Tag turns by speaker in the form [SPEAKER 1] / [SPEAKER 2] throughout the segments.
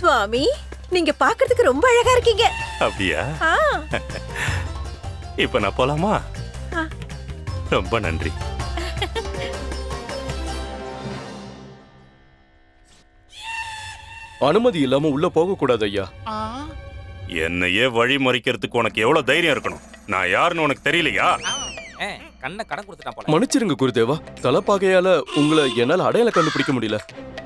[SPEAKER 1] சுவாமி, நீங்க பாக்குறதுக்கு ரொம்ப அழகா இருக்கீங்க.
[SPEAKER 2] அப்படியா?
[SPEAKER 1] ஆ.
[SPEAKER 2] இப்ப நான் போலாமா?
[SPEAKER 1] ஆ.
[SPEAKER 2] ரொம்ப நன்றி.
[SPEAKER 3] அனுமதி இல்லாம உள்ள போக கூடாது ஐயா.
[SPEAKER 2] என்னையே வழி மறிக்கிறதுக்கு உனக்கு எவ்வளவு தைரியம் இருக்கணும்? நான் யாருன்னு உனக்கு தெரியலையா?
[SPEAKER 4] கண்ணை கடன் கொடுத்துட்டான் போல.
[SPEAKER 3] மன்னிச்சிருங்க குருதேவா, தலைப்பாகையால உங்களை என்னால அடையாளம் கண்டுபிடிக்க முடியல.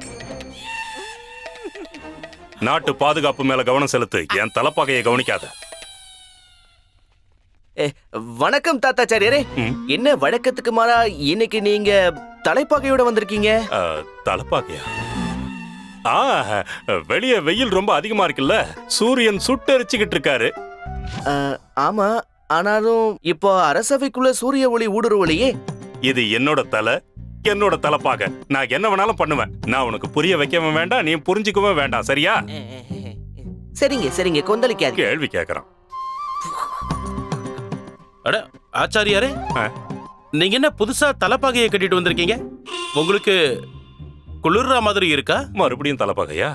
[SPEAKER 2] நாட்டு பாதுகாப்பு மேல கவனம் செலுத்து, என் தலைப்பாகையை கவனிக்காத.
[SPEAKER 5] வணக்கம் தாத்தாச்சாரியரே. என்ன வழக்கத்துக்கு மாறா இன்னைக்கு நீங்க தலைப்பாகையோட வந்திருக்கீங்க?
[SPEAKER 2] தலைப்பாகையா? வெளியே வெயில் ரொம்ப அதிகமா இருக்குல்ல, சூரியன் சுட்டெரிச்சுக்கிட்டு இருக்காரு.
[SPEAKER 5] ஆமா, ஆனாலும் இப்போ அரசவைக்குள்ள சூரிய ஒளி ஊடுருவலையே.
[SPEAKER 2] இது என்னோட தலை, என்னோட தலைப்பாக. நான் என்ன வேணாலும் பண்ணுவேன். நான் உனக்கு புரிய வைக்கவும் வேண்டாம், நீ புரிஞ்சுக்கவும் வேண்டாம், சரியா?
[SPEAKER 5] சரிங்க சரிங்க, கொந்தளிக்காது.
[SPEAKER 2] கேள்வி கேட்கறான்.
[SPEAKER 6] அட ஆச்சாரியாரே, நீங்க என்ன புதுசா தலைப்பாகையை கட்டிட்டு வந்திருக்கீங்க? உங்களுக்கு குளிர்ற மாதிரி இருக்கா?
[SPEAKER 2] மறுபடியும் தலைப்பாகையா?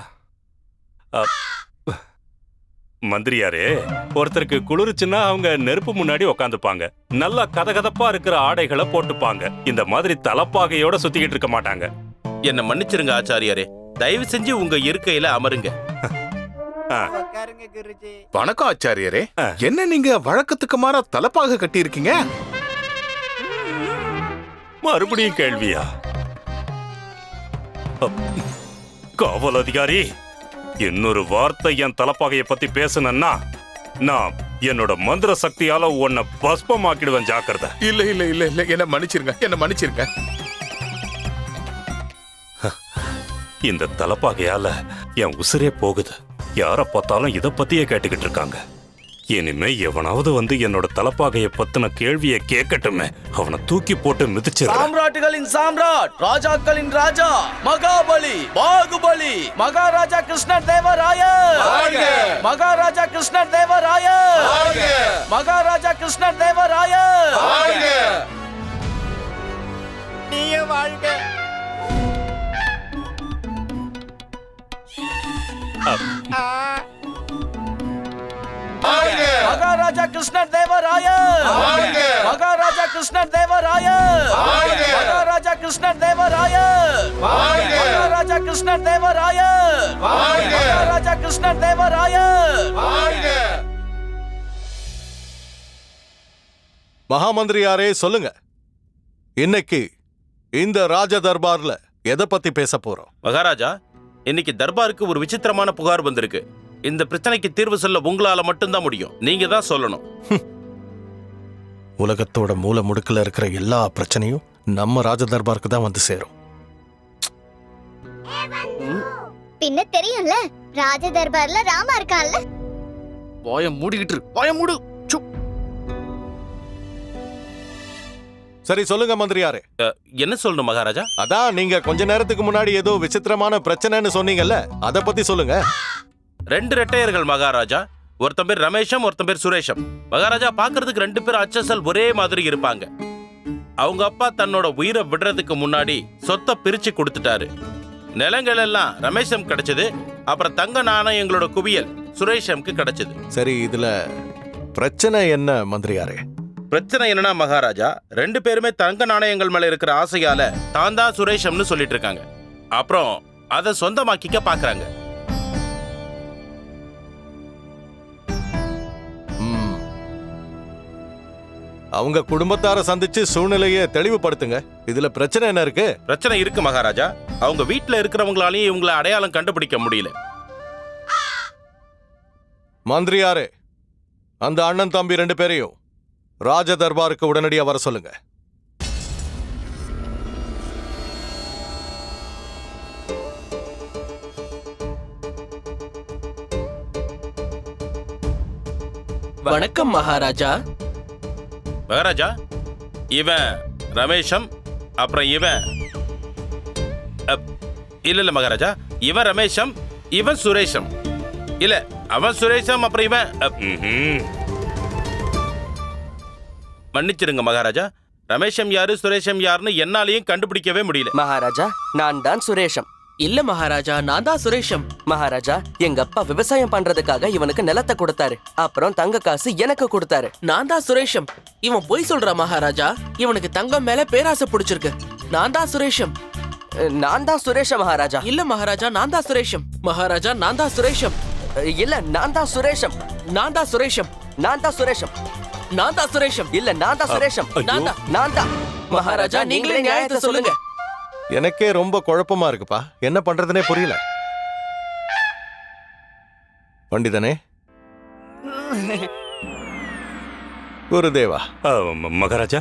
[SPEAKER 2] மந்திரியாரே, ஒருத்தருக்கு குளிர்ச்சுன்னா அவங்க நெருப்பு முன்னாடி உக்காந்துப்பாங்க, நல்லா கதகதப்பா இருக்கிற ஆடைகளை போட்டுப்பாங்க. இந்த மாதிரி தலைப்பாகையோட சுத்திக்கிட்டு இருக்க மாட்டாங்க.
[SPEAKER 6] என்ன மன்னிச்சிருங்க ஆச்சாரியாரே, தயவு செஞ்சு உங்க இருக்கையில அமருங்க.
[SPEAKER 7] வணக்கம் ஆச்சாரியரே. என்ன நீங்க வழக்கத்துக்கு மாறா தலைப்பாக கட்டி இருக்கீங்க?
[SPEAKER 2] மறுபடியும் கேள்வியா? காவல் அதிகாரி, இன்னொரு வார்த்தை என் தலைப்பாகையை பத்தி பேசுனா நான் என்னோட மந்திர சக்தியால உன்னை பஸ்பமாக்கிடுவேன், ஜாக்கிரதை.
[SPEAKER 7] இல்ல இல்ல இல்ல இல்ல, என்ன மன்னிச்சிருங்க, என்ன மன்னிச்சிருங்க.
[SPEAKER 2] இந்த தலைப்பாகையால என் உசிரே போகுது. யார பார்த்தாலும் இத பத்தியே கேட்டுக்கிட்டு இருக்காங்க. இனிமே எவனாவது வந்து என்னோட தலைப்பாகையை பத்தின கேள்வியை கேட்கட்டுமே, அவனை தூக்கி போட்டு மிதிச்சிரு.
[SPEAKER 5] சாம்ராட்டுகளின் சாம்ராட், ராஜாக்களின் ராஜா, மகாபலி, பாகுபலி, மகாராஜா கிருஷ்ணர் தேவராயர், மகாராஜா கிருஷ்ணர் தேவராயர், மகாராஜா கிருஷ்ணர் தேவராயர். நீயே வாழ்க. மகாராஜா கிருஷ்ணர் தேவராயர், மகாராஜா கிருஷ்ணர் தேவராயர், மகாராஜா கிருஷ்ணர் தேவராயர், மகாராஜா கிருஷ்ணர் தேவராயர், மகாராஜா கிருஷ்ணர் தேவராயர்.
[SPEAKER 8] மகாமந்திரியாரே, சொல்லுங்க, இன்னைக்கு இந்த ராஜ தர்பார்ல எதை பத்தி பேச போறோம்?
[SPEAKER 6] மகாராஜா, இன்னைக்கு தர்பாருக்கு ஒரு விசித்திரமான புகார் வந்திருக்கு. இந்த பிரச்சனைக்கு தீர்வு சொல்ல உங்களால மட்டும்தான் முடியும். நீங்க தான் சொல்லணும்.
[SPEAKER 8] உலகத்தோட மூல முடுக்குல இருக்கிற எல்லா பிரச்சனையும் நம்ம ராஜ தர்பாருக்கு தான் வந்து சேரும்.
[SPEAKER 9] பின்ன தெரியும்ல, ராஜ தர்பார்ல ராமா இருக்கான்ல.
[SPEAKER 5] வாய மூடிக்கிட்டு, வாய மூடு.
[SPEAKER 8] சரி சொல்லுங்க மந்திரியாரே.
[SPEAKER 6] என்ன சொல்லணும் மகாராஜா?
[SPEAKER 8] அதான் நீங்க கொஞ்ச நேரத்துக்கு முன்னாடி ஏதோ விசித்திரமான பிரச்சனைன்னு சொன்னீங்கல்ல, அத பத்தி சொல்லுங்க.
[SPEAKER 6] 2 ரெட்டையர்கள் மகாராஜா. ஒருத்தன் பேர் ரமேஷம், ஒருத்தன் பேர் சுரேஷம். மகாராஜா, பாக்குறதுக்கு 2 பேரும் அச்சசல் ஒரே மாதிரி இருப்பாங்க. அவங்க அப்பா தன்னோட உயிரை விடுறதுக்கு முன்னாடி சொத்தை பிரிச்சு கொடுத்துட்டாரு. நிலங்கள் எல்லாம் ரமேஷம் கிடைச்சது. அப்புறம் தங்க நாணயங்களோட குவியல் சுரேஷம்க்கு கிடைச்சது.
[SPEAKER 8] சரி, இதுல பிரச்சனை என்ன மந்திரியாரே?
[SPEAKER 6] பிரச்சனை என்னன்னா மகாராஜா, 2 பேருமே தங்க நாணயங்கள் மேல இருக்கிற ஆசையால தான் தான் சுரேஷம்னு சொல்லிட்டு இருக்காங்க. அப்புறம் அதை சொந்தமாக்கிக்க பாக்குறாங்க.
[SPEAKER 8] அவங்க குடும்பத்தார சந்திச்சு சூழ்நிலையை தெளிவுபடுத்துங்க. இதுல பிரச்சனை என்ன இருக்கு?
[SPEAKER 6] பிரச்சனை இருக்கு மகாராஜா. அவங்க வீட்டுல இருக்கிறவங்களாலையும் இவங்களை அடையாளம் கண்டுபிடிக்க முடியல.
[SPEAKER 8] மந்திரியாரே, அந்த அண்ணன் தம்பி 2 பேரையும் ராஜ தர்பாருக்கு உடனடியா வர சொல்லுங்க.
[SPEAKER 5] வணக்கம் மகாராஜா.
[SPEAKER 6] மகாராஜா, இவன் ரமேஷம், அப்புறம் இவன் இல்ல மகாராஜா, இவன் ரமேஷம், இவன் சுரேஷம். இல்ல, அவன் சுரேஷம், அப்புறம் இவன். மன்னிச்சிருங்க மகாராஜா, ரமேஷம் யாரு சுரேஷம் யாருன்னு என்னாலையும் கண்டுபிடிக்கவே முடியல.
[SPEAKER 5] மகாராஜா, நான் தான் சுரேஷம். இல்ல மகாராஜா, நான் தான் சுரேஷம்.
[SPEAKER 10] மகாராஜா, எங்க அப்பா விவசாயம் பண்றதுக்காக இவனுக்கு நிலத்தை கொடுத்தாரு. அப்புறம் தங்க காசு எனக்கு கொடுத்தாரு.
[SPEAKER 5] நான் தான் சுரேஷம். இவன் பொய் சொல்றான் மகாராஜா. இவனுக்கு தங்கம் மேல பேராசை பிடிச்சிருக்கு. நான் தான் சுரேஷம்.
[SPEAKER 10] நான் தான் சுரேஷ மகாராஜா.
[SPEAKER 5] இல்ல மகாராஜா, நான் தான் சுரேஷம். மகாராஜா, நான் தான் சுரேஷம்.
[SPEAKER 10] இல்ல நான் தான் சுரேஷம்.
[SPEAKER 5] நான் தான் சுரேஷம்.
[SPEAKER 10] நான் தான் சுரேஷம்.
[SPEAKER 5] நான் தான் சுரேஷம்.
[SPEAKER 10] இல்ல நான் தான் சுரேஷம்.
[SPEAKER 5] நான் தான். மகாராஜா, நீங்களே நியாயத்தை சொல்லுங்க.
[SPEAKER 8] எனக்கே ரொம்ப குழப்பமா இருக்குப்பா. என்ன பண்றதுனே புரியல. பண்டிதனே, குருதேவா.
[SPEAKER 2] மகாராஜா,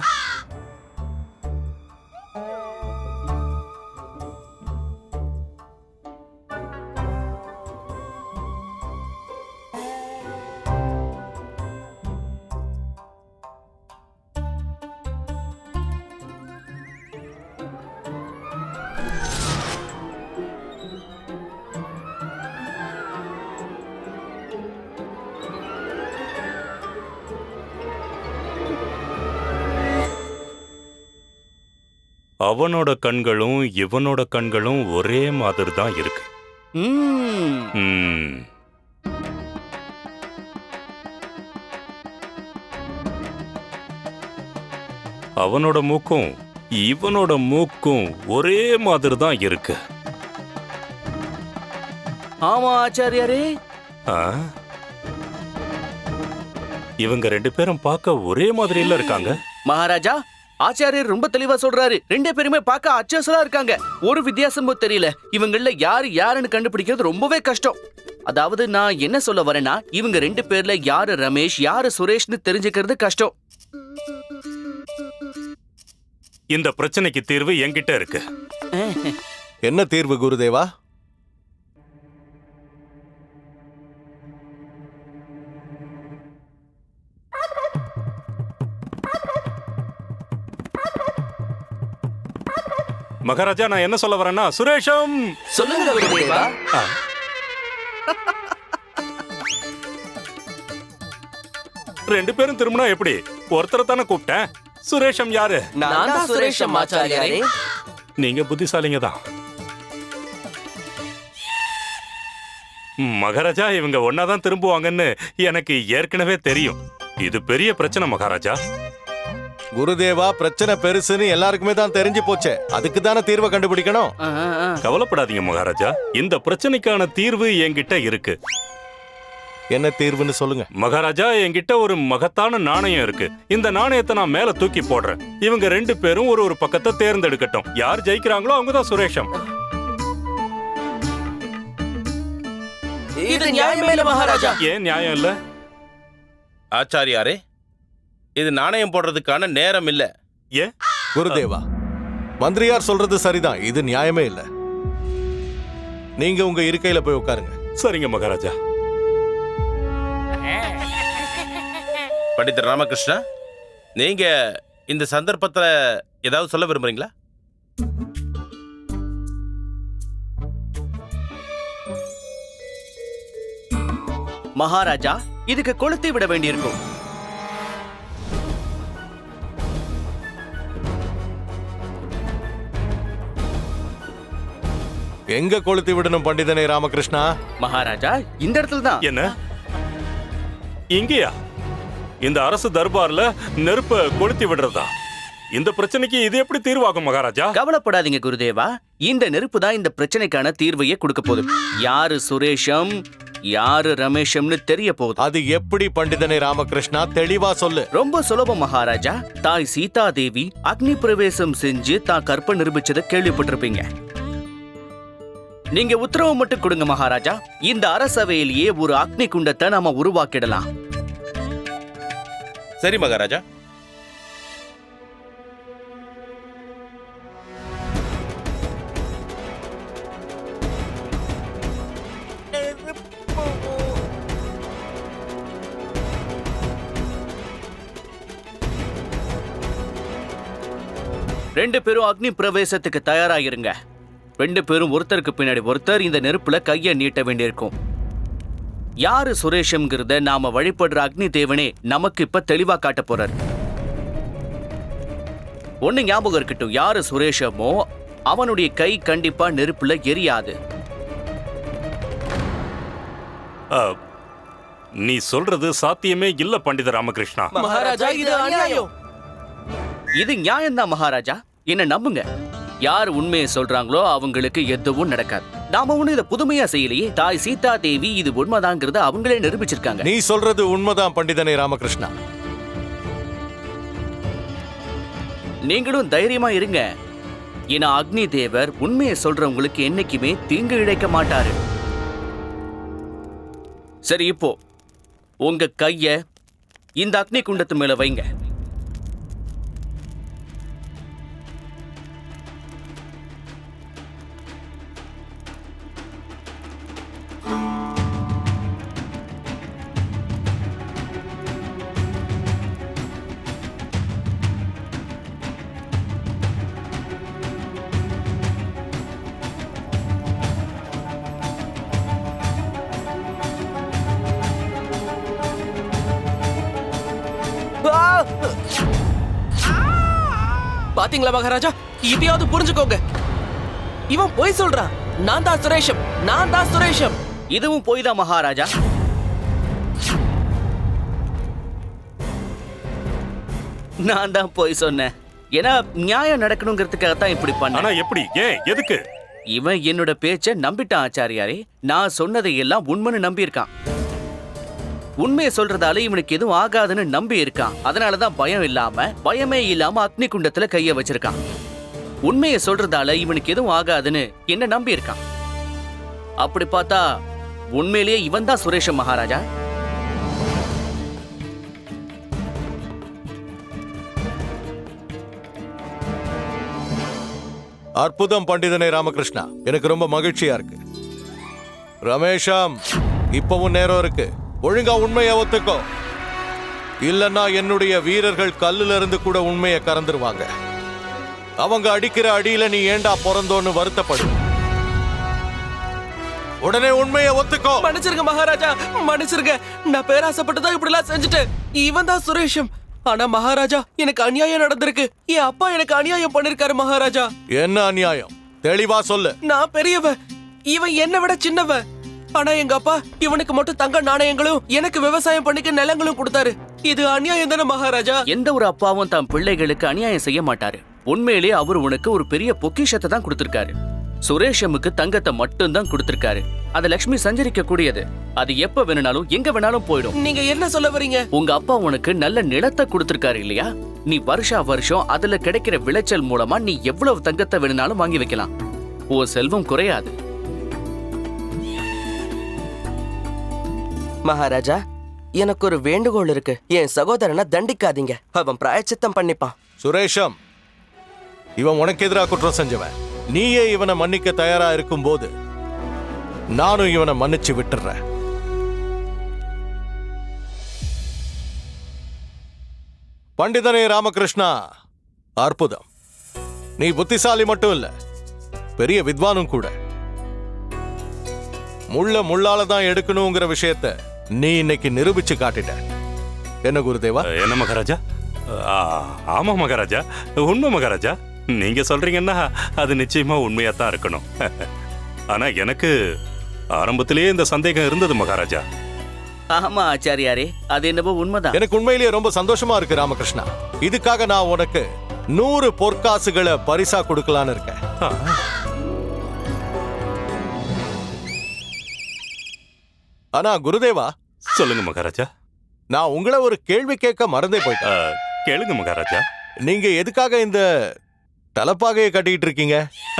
[SPEAKER 2] அவனோட கண்களும் இவனோட கண்களும் ஒரே மாதிரி தான் இருக்கு. ம். அவனோட மூக்கும் இவனோட மூக்கும் ஒரே மாதிரி தான் இருக்கு.
[SPEAKER 5] ஆமா ஆச்சாரியாரே.
[SPEAKER 2] ஆ? இவங்க ரெண்டு பேரும் பார்க்க ஒரே மாதிரில இருக்காங்க.
[SPEAKER 5] மகாராஜா, ஆச்சாரியர் ரொம்ப தெளிவா சொல்றாரு. ரெண்டு பேருமே பார்க்க அச்சசலா இருக்காங்க. ஒரு வித்தியாசமும் தெரியல. இவங்கள யாருன்னு கண்டுபிடிக்கிறது ரொம்பவே கஷ்டம். அதாவது நான் என்ன சொல்ல வரேன்னா, இவங்க ரெண்டு பேர்ல யாரு ரமேஷ் யாரு சுரேஷ்னு தெரிஞ்சுக்கிறது கஷ்டம்.
[SPEAKER 2] இந்த பிரச்சனைக்கு தீர்வு என்கிட்ட இருக்கு.
[SPEAKER 8] என்ன தீர்வு குருதேவா?
[SPEAKER 2] மகாராஜா, நான் என்ன சொல்ல வரேன்னா, சுரேஷம்
[SPEAKER 5] சொல்லுங்க குருதேவா.
[SPEAKER 2] ரெண்டு பேரும் திரும்பினா எப்படி? ஒருத்தரை தானே கூப்பிட்டேன். சுரேஷம் யாரு?
[SPEAKER 10] நான் தான் சுரேஷம் ஆச்சாரியாரே.
[SPEAKER 2] நீங்க புத்திசாலிங்க தான். மகாராஜா, இவங்க ஒன்னாதான் திரும்புவாங்கன்னு எனக்கு ஏற்கனவே தெரியும். இது பெரிய பிரச்சனை மகாராஜா.
[SPEAKER 8] குருதேவா, பிரச்சனை பெருசுன்னு எல்லாருக்குமே தான் தெரிஞ்சு போச்சே. அதுக்கு தானே தீர்வை கண்டுபிடிக்கணும்.
[SPEAKER 2] கவலைப்படாதீங்க மகாராஜா, இந்த பிரச்சனைக்கான தீர்வு என்கிட்ட இருக்கு.
[SPEAKER 8] என்ன தீர்வுன்னு சொல்லுங்க
[SPEAKER 2] மகாராஜா. என்கிட்ட ஒரு மகத்தான நாணயம் இருக்கு. இந்த நாணயத்தை நான் மேல தூக்கி போடுறேன். இவங்க ரெண்டு பேரும் ஒரு பக்கத்தை தேர்ந்தெடுக்கட்டும். யார் ஜெயிக்கிறாங்களோ அவங்க தான் சுரேஷம்.
[SPEAKER 5] இது நியாயமே இல்ல மகாராஜா.
[SPEAKER 2] ஏன் நியாயம் இல்ல?
[SPEAKER 6] ஆச்சாரியாரே, இது நாணயம் போடுறதுக்கான நேரம் இல்ல.
[SPEAKER 2] ஏன்?
[SPEAKER 8] குருதேவா, மந்திரியார் சொல்றது சரிதான். இது நியாயமே இல்ல. நீங்க உங்க இருக்கையில போய் உட்காருங்க.
[SPEAKER 2] சரிங்க மகாராஜா.
[SPEAKER 6] பண்டிதர் ராமகிருஷ்ணா, நீங்க இந்த சந்தர்ப்பத்துல ஏதாவது சொல்ல விரும்புறீங்களா?
[SPEAKER 5] மகாராஜா, இதுக்கு கொளுத்தி விட வேண்டியிருக்கும்.
[SPEAKER 8] எங்க கொளுத்தி விடணும் பண்டிதனே ராமகிருஷ்ணா?
[SPEAKER 5] மகாராஜா, இந்த இடத்துல தான்.
[SPEAKER 2] என்ன? இங்கேயா? இந்த அரசு தர்பார்ல நெருப்ப கொளுத்தி விடுறதா? இந்த பிரச்சனைக்கு இது எப்படி தீர்வாகும் மகாராஜா?
[SPEAKER 5] கவலைப்படாதீங்க குருதேவா. இந்த நெருப்பு தான் இந்த பிரச்சனைக்கான தீர்வையே கொடுக்க போகுது. யாரு சுரேஷம் யாரு ரமேஷம்னு தெரிய போகுது.
[SPEAKER 8] அது எப்படி பண்டிதனே ராமகிருஷ்ணா? தெளிவா சொல்லு.
[SPEAKER 5] ரொம்ப சுலபம் மகாராஜா. தாய் சீதா தேவி அக்னி பிரவேசம் செஞ்சு தான் கற்ப நிரூபிச்சதை கேள்விப்பட்டிருப்பீங்க. நீங்க உத்தரவு மட்டும் கொடுங்க மகாராஜா. இந்த அரசவையிலேயே ஒரு அக்னி குண்டத்தை நாம உருவாக்கிடலாம்.
[SPEAKER 6] சரி மகாராஜா.
[SPEAKER 5] ரெண்டு பேரும் அக்னி பிரவேசத்துக்கு தயாராயிருங்க. ரெண்டு பேரும் ஒருத்தருக்கு பின்னாடி ஒருத்தர் இந்த நெருப்புல கைய நீட்ட வேண்டியிருக்கும். யாரு சுரேஷம்ங்கிறத நாம வழிபடுற அக்னி தேவனே நமக்கு இப்ப தெளிவா காட்ட போறாரு. ஒண்ணு ஞாபகம் இருக்கட்டும், யாரு சுரேஷமோ அவனுடைய கை கண்டிப்பா நெருப்புல எரியாது.
[SPEAKER 2] நீ சொல்றது சாத்தியமே இல்ல பண்டித ராமகிருஷ்ணா.
[SPEAKER 10] மகாராஜா இது அநியாயம்.
[SPEAKER 5] இது நியாயம்தான் மகாராஜா, என்ன நம்புங்க. யார் உண்மையை சொல்றாங்களோ அவங்களுக்கு எதுவும் நடக்காது. நாம ஒண்ணு இதை புதுமையா செய்யலையே. தாய் சீதா தேவி இது உண்மைதாங்கிறத அவங்களே நிரூபிச்சிருக்காங்க.
[SPEAKER 8] நீ சொல்றது உண்மைதான் பண்டிதனே ராமகிருஷ்ணா.
[SPEAKER 5] நீங்களும் தைரியமா இருங்க. ஏன்னா அக்னி தேவர் உண்மையை சொல்றவங்களுக்கு என்னைக்குமே தீங்கு இழைக்க மாட்டாரு. சரி, இப்போ உங்க கைய இந்த அக்னி குண்டத்து மேல வைங்க.
[SPEAKER 10] பாத்தீங்களா மகாராஜா, இதையாவது புரிஞ்சுக்கோங்க. இவன் போய் சொல்றான். நான் தான் சுரேஷம், நான் தான் சுரேஷம்.
[SPEAKER 5] இதுவும் போய் தான் மகாராஜா. நான் தான் போய் சொன்னேன். ஏன்னா நியாயம் நடக்கணுங்கிறதுக்காக தான் இப்படி பண்ண.
[SPEAKER 2] ஆனா எப்படி, ஏன், எதுக்கு?
[SPEAKER 5] இவன் என்னோட பேச்ச நம்பிட்டான் ஆச்சாரியாரே. நான் சொன்னதை எல்லாம் உண்மைன்னு நம்பி இருக்கான். உண்மையை சொல்றதால இவனுக்கு எதுவும் ஆகாதுன்னு நம்பி இருக்கான். அதனாலதான் பயமே இல்லாம அக்னி குண்டத்துல கைய வச்சிருக்கான். உண்மையை சொல்றதால இவனுக்கு எதுவும் ஆகாதுன்னு என்ன நம்பி இருக்கான். அப்படி பார்த்தா உண்மையிலேயே இவன் தான் சுரேஷ மகாராஜா.
[SPEAKER 8] அற்புதம் பண்டிதனே ராமகிருஷ்ணா, எனக்கு ரொம்ப மகிழ்ச்சியா இருக்கு. ரமேஷம், இப்பவும் நேரம் இருக்கு. ஒழுங்கா உண்மையை ஒத்துக்கோ. இல்லன்னா என்னுடைய வீரர்கள் கல்லுல இருந்து கூட உண்மையை கறந்துருவாங்க. அவங்க அடிக்கிற அடியில நீ ஏண்டா பிறந்தோன்னு வருத்தப்படு. உடனே உண்மையை ஒத்துக்கோ.
[SPEAKER 10] மன்னிச்சிருங்க மகாராஜா, மன்னிச்சிருங்க. நான் பேராசப்பட்டு தான் இப்படி எல்லாம் செஞ்சுட்டேன். இவன் தான் சுரேஷம். ஆனா மகாராஜா, எனக்கு அநியாயம் நடந்திருக்கு. என் அப்பா எனக்கு அநியாயம் பண்ணிருக்காரு மகாராஜா.
[SPEAKER 8] என்ன அநியாயம்? தெளிவா சொல்லு.
[SPEAKER 10] நான் பெரியவன், இவன் என்னை விட சின்னவன். ஆனா எங்க அப்பா இவனுக்கு மட்டும் தங்க நாணயங்களும் எனக்கு விவசாயம் பண்ணிக்க நிலங்களும் கொடுத்தாரு. இது அநியாயம் தானே மகாராஜா?
[SPEAKER 5] எந்த ஒரு அப்பாவும் தன் பிள்ளைகளுக்கு அநியாயம் செய்ய மாட்டாரு. உண்மையிலேயே அவர் உனக்கு ஒரு பெரிய பொக்கிஷத்தை தான் கொடுத்திருக்காரு. சுரேஷமுக்கு தங்கத்தை மட்டும் தான் கொடுத்திருக்காரு. அது லட்சுமி சஞ்சரிக்க கூடியது. அது எப்ப வேணும்னாலும் எங்க வேணாலும் போயிடும்.
[SPEAKER 10] நீங்க என்ன சொல்ல வரீங்க?
[SPEAKER 5] உங்க அப்பா உனக்கு நல்ல நிலத்தை கொடுத்திருக்காரு இல்லையா? நீ வருஷம் அதுல கிடைக்கிற விளைச்சல் மூலமா நீ எவ்வளவு தங்கத்தை வேணும்னாலும் வாங்கி வைக்கலாம். உன் செல்வம் குறையாது.
[SPEAKER 10] மகாராஜா, எனக்கு ஒரு வேண்டுகோள் இருக்கு. என் சகோதரனை தண்டிக்காதீங்க. அவன் பிராயச்சித்தம் பண்ணிப்பான்.
[SPEAKER 8] சுரேஷம், இவன் உனக்கு எதிராக குற்றம் செஞ்சவன். நீயே இவனை மன்னிக்க தயாரா இருக்கும் போது நானும் இவனை மன்னிச்சு விட்டுறேன். பண்டிதனே ராமகிருஷ்ணா, அற்புதம். நீ புத்திசாலி மட்டும் இல்ல, பெரிய வித்வானும் கூட. முள்ளால தான் எடுக்கணுங்கிற விஷயத்த நீ இன்னைக்கு நிரூபிச்சு காட்டிட்ட. என்ன குருதேவா?
[SPEAKER 2] என்ன மகாராஜா? ஆமா மகாராஜா, உண்மை மகாராஜா. நீங்க சொல்றீங்கன்னா அது நிச்சயமா உண்மையா தான் இருக்கணும். ஆனா எனக்கு ஆரம்பத்திலேயே இந்த சந்தேகம் இருந்தது மகாராஜா.
[SPEAKER 5] ஆமா ஆச்சாரியாரே, அது என்னவோ உண்மைதான்.
[SPEAKER 8] எனக்கு உண்மையிலேயே ரொம்ப சந்தோஷமா இருக்கு ராமகிருஷ்ணா. இதுக்காக நான் உனக்கு 100 பொற்காசுகளை பரிசா கொடுக்கலான்னு இருக்கேன். ஆனா குருதேவா,
[SPEAKER 2] சொல்லுங்க மகாராஜா.
[SPEAKER 8] நான் உங்களை ஒரு கேள்வி கேட்க மறந்தே போயிட்டேன்.
[SPEAKER 2] கேளுங்க மகாராஜா.
[SPEAKER 8] நீங்க எதுக்காக இந்த தலப்பாகையை கட்டிட்டு இருக்கீங்க?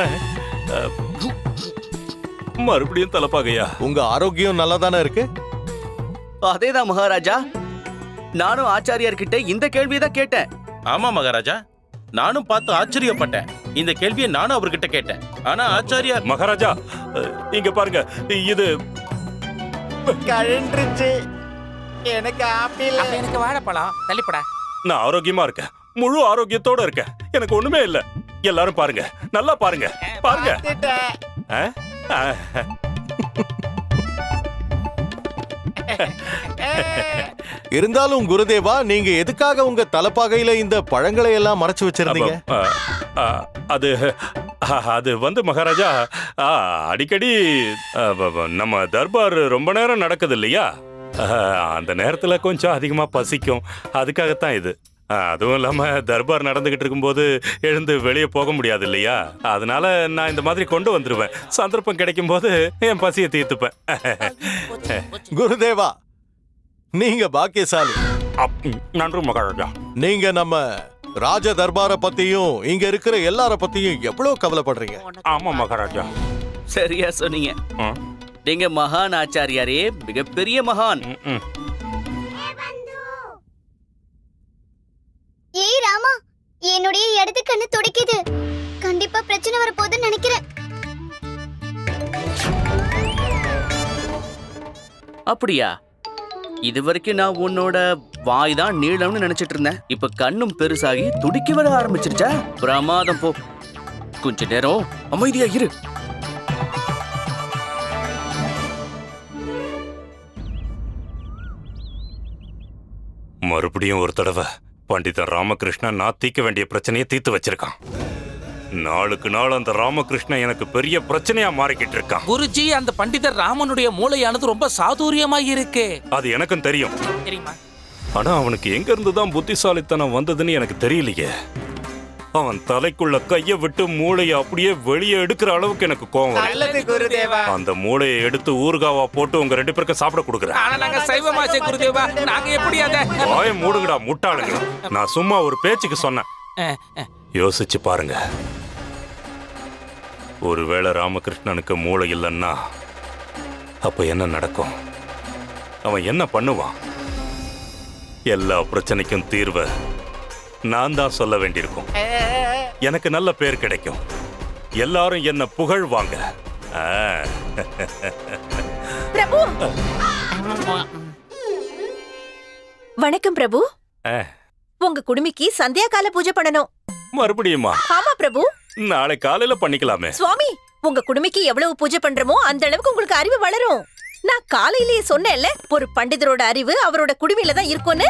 [SPEAKER 2] மறுபடியும் தலப்பாகையா?
[SPEAKER 8] உங்க ஆரோக்கியம் நல்லா தானே இருக்கு?
[SPEAKER 5] அதேதான் மகாராஜா, நானும் ஆச்சாரியார்கிட்ட இந்த கேள்வியதான் கேட்டேன்.
[SPEAKER 6] ஆமா மகாராஜா, நானும் பார்த்து ஆச்சரியப்பட்டேன். இந்த கேள்வியை நானும் அவர்கிட்ட கேட்டேன். ஆனா ஆச்சாரியார்.
[SPEAKER 2] மகாராஜா, இங்க பாருங்க, இது
[SPEAKER 4] கழன்றுச்சு. எனக்கு ஆப்பிள், எனக்கு வாழைப்பழம். தள்ளிப்படா.
[SPEAKER 2] நான் ஆரோக்கியமா இருக்கேன், முழு ஆரோக்கியத்தோட இருக்கேன். எனக்கு ஒண்ணுமே இல்ல. எல்லாரும் பாருங்க, நல்லா பாருங்க, பாருங்க.
[SPEAKER 8] இருந்தாலும் குருதேவா, நீங்க எதுக்காக உங்க தலப்பாகையில இந்த பழங்களை எல்லாம் மறைச்சு வச்சிருந்தீங்க?
[SPEAKER 2] அது அது வந்து மகாராஜா, அடிக்கடி நம்ம தர்பார் ரொம்ப நேரம் நடக்குது இல்லையா, அந்த நேரத்துல கொஞ்சம் அதிகமா பசிக்கும். அதுக்காகத்தான் இது. அதுவும் இல்லாம தர்பார் நடந்துகிட்டு இருக்கும்போது எழுந்து வெளியே போக முடியாது இல்லையா, அதனால நான் இந்த மாதிரி கொண்டு வந்துருவேன். சந்தர்ப்பம் கிடைக்கும் போது என் பசியை தீர்த்துப்பேன்.
[SPEAKER 8] குருதேவா, நீங்க பாக்கியசாலி.
[SPEAKER 2] நன்றி மகாராஜா.
[SPEAKER 8] நீங்க நம்ம ராஜ தர்பார பத்தியும் இங்க இருக்கிற எல்லார பத்தியும் எவ்வளவு கவலைப்படுறீங்க.
[SPEAKER 2] ஆமா மகாராஜா.
[SPEAKER 5] சரியா சொன்னீங்க. நீங்க மகான் ஆச்சாரியாரே, மிகப்பெரிய மகான்.
[SPEAKER 9] ஏய் ராமா, என்னுடைய இடது கண்ணு துடிக்குது. கண்டிப்பா பிரச்சனை வரப்போகுதுன்னு நினைக்கிறேன்.
[SPEAKER 5] அப்படியா? இது வரைக்கும் நான் உன்னோட வாய் தான் நீளம்னு நினைச்சிட்டு இருந்தேன். இப்ப கண்ணும் பெருசாகி துடிக்க வர ஆரம்பிச்சிருச்சா? பிரமாதம் போ. கொஞ்ச நேரம் அமைதியா இரு.
[SPEAKER 2] மறுபடியும் ஒரு தடவை பண்டிதன் ராமகிருஷ்ணன் நான் தீர்க்க வேண்டிய பிரச்சனையை தீர்த்து வச்சிருக்கான். நாளுக்கு நாள் அந்த ராமகிருஷ்ணன் எனக்கு பெரிய பிரச்சனையா மாறிக்கிட்டு இருக்கான்.
[SPEAKER 4] குருஜி, அந்த பண்டிதர் ராமனுடைய மூளையானது ரொம்ப சாதுரியமா இருக்கு.
[SPEAKER 2] அது எனக்கும் தெரியும்.
[SPEAKER 4] தெரியுமா?
[SPEAKER 2] ஆனா அவனுக்கு எங்க இருந்துதான் புத்திசாலித்தனம் வந்ததுன்னு எனக்கு தெரியலையே. அவன் தலைக்குள்ள கைய விட்டு மூளையை அப்படியே வெளியே எடுக்கிற அளவுக்கு எனக்கு கோவம் வருது. அந்த மூளையை எடுத்து ஊறுகாவா போட்டு உங்க 2 பேருக்கும் சாப்பிட கொடுக்குறேன்.
[SPEAKER 4] ஆனா நாங்க சைவமாச்சே குருதேவா, நாங்க எப்படி அத?
[SPEAKER 2] வாயை மூடுங்கடா முட்டாளுங்க. நான் சும்மா ஒரு பேச்சுக்கு சொன்னேன். யோசிச்சு பாருங்க. ஒருவேளை ராமகிருஷ்ணனுக்கு மூளை இல்லைன்னா அப்ப என்ன நடக்கும்? அவன் என்ன பண்ணுவான்? எல்லா பிரச்சனைக்கும் தீர்வை நான் தான் சொல்ல வேண்டியிருக்கும். எனக்கு நல்ல பேர் கிடைக்கும். எல்லாரும் என்ன புகழ்வாங்க.
[SPEAKER 1] பிரபு, வணக்கம் பிரபு. உங்க குடுமிக்கு சந்தியா கால பூஜை பண்ணணும்.
[SPEAKER 2] மறுபடியுமா?
[SPEAKER 1] ஆமா பிரபு.
[SPEAKER 2] நாளை காலையில பண்ணிக்கலாமே.
[SPEAKER 1] சுவாமி, உங்க குடுமிக்கு எவ்வளவு பூஜை பண்றமோ அந்த அளவுக்கு உங்களுக்கு அறிவு வளரும். நான் காலையிலேயே சொன்னேன்ல, ஒரு பண்டிதரோட அறிவு அவரோட குடுமியில தான் இருக்கும்னு.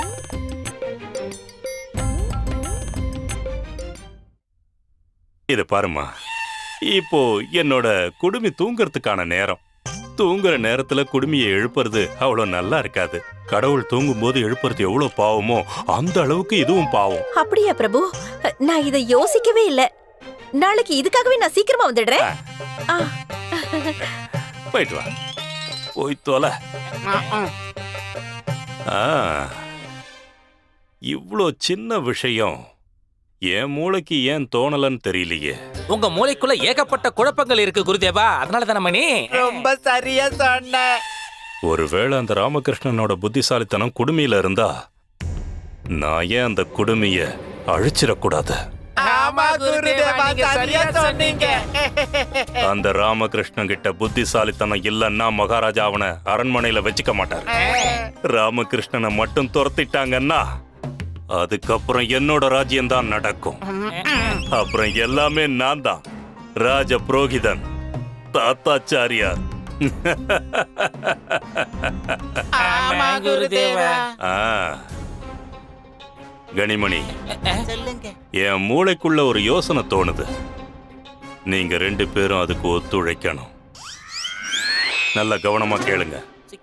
[SPEAKER 2] இது பாருமா, இப்போ என்னோட குடுமி தூங்கறதுக்கான நேரம். தூங்குற நேரத்துல குடுமியை எழுப்புறது அவ்வளவு நல்லா இருக்காது. கடவுள் தூங்கும் போது எழுப்புறது எவ்வளவு பாவமோ அந்த அளவுக்கு இதுவும் பாவம்.
[SPEAKER 1] அப்படியா பிரபு? நான் இதை யோசிக்கவே இல்ல. நாளைக்கு இதுக்காகவே நான் சீக்கிரமா வந்துடுறேன்.
[SPEAKER 2] போயிட்டு வா. போய் தொலை. இவ்வளோ சின்ன விஷயம் என் மூளைக்கு ஏன் தோணலன்னு தெரியலையே.
[SPEAKER 4] உங்க மூளைக்குள்ள ஏகப்பட்ட குழப்பங்கள் இருக்கு குருதேவா, அதனால தான மணி. ரொம்ப சரியா சொன்ன.
[SPEAKER 2] ஒருவேளை அந்த ராமகிருஷ்ணனோட புத்திசாலித்தனம் குடுமியில இருந்தா நான் ஏன் அந்த குடுமிய அழிச்சிடக்கூடாது?
[SPEAKER 4] ஆமா குருதேவா, நீங்க சரியா சொன்னீங்க.
[SPEAKER 2] அந்த ராமகிருஷ்ணன் கிட்ட புத்திசாலித்தனம் இல்லன்னா மகாராஜா அவனை அரண்மனையில வச்சுக்க மாட்டார். ராமகிருஷ்ணனை மட்டும் துரத்திட்டாங்கன்னா அதுக்கப்புறம் என்னோட ராஜ்யம் தான் நடக்கும். அப்புறம் எல்லாமே நான் தான். ராஜ புரோகிதன், தாத்தாச்சாரியார்.
[SPEAKER 4] ஆமா குருதேவா.
[SPEAKER 2] கனிமணி, என் மூளைக்குள்ள ஒரு யோசனை தோணுது. நீங்க 2 பேரும் அதுக்கு ஒத்துழைக்கணும். நல்ல கவனமா கேளுங்க.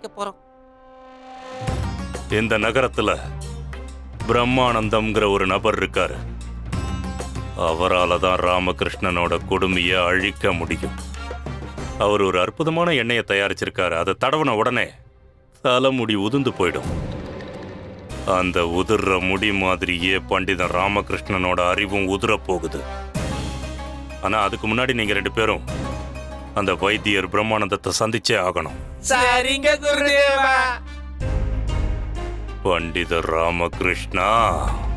[SPEAKER 2] இந்த நகரத்துல பிரம்மானந்தம்ங்கிற ஒரு நபர் இருக்காரு. அவரால தான் ராமகிருஷ்ணனோட கொடுமையை அழிக்க முடியும். அவர் ஒரு அற்புதமான எண்ணெயை தயாரிச்சிருக்காரு. அதை தடவன உடனே தலைமுடி உதிர்ந்து போயிடும். அந்த உதிர்ற முடி மாதிரியே பண்டிதன் ராமகிருஷ்ணனோட அறிவும் உதிர போகுது. ஆனா அதுக்கு முன்னாடி நீங்க 2 பேரும் அந்த வைத்தியர் பிரம்மானந்தத்தை சந்திச்சே ஆகணும்.
[SPEAKER 4] சரிங்க குருதேவா.
[SPEAKER 2] பண்டிதர் ராமகிருஷ்ணா.